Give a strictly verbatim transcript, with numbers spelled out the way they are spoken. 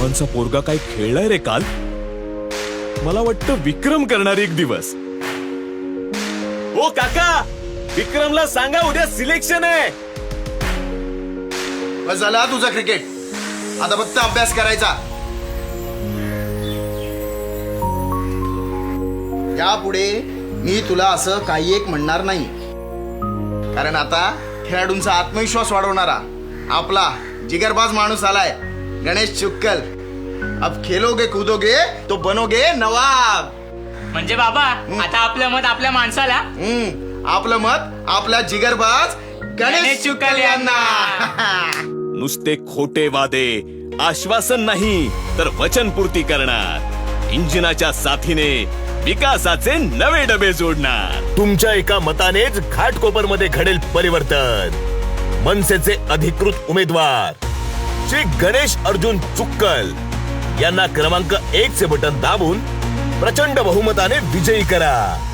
चव्हाणचा पोरगा काय खेळलाय रे काल. मला वाटतं विक्रम करणार एक दिवस. ओ काका, विक्रमला सांगा उद्या सिलेक्शन आहे. बस झाला तुझा क्रिकेट, आता फक्त अभ्यास करायचा. यापुढे मी तुला असं काही एक म्हणणार नाही, कारण आता खेळाडूंचा आत्मविश्वास वाढवणारा आपला जिगरबाज माणूस आलाय, गणेश चुक्कल. अब खेलोगे कूदोगे तो बनोगे नवाब. म्हणजे बाबा आता आपलं मत आपल्या माणसाला. हम्म आपलं मत आपला जिगरबाज गणेश चुक्कल यांना. नुसते खोटे वादे, आश्वासन नाही तर वचनपूर्ती करणार. इंजिनाच्या साथीने विकासाचे नवे डबे जोडणार. तुमच्या एका मतानेच घाटकोपरमध्ये घडेल परिवर्तन. मनसेचे अधिकृत उमेदवार श्री गणेश अर्जुन चुक्कल यांना क्रमांक एक चे बटन दाबून प्रचंड बहुमताने विजयी करा.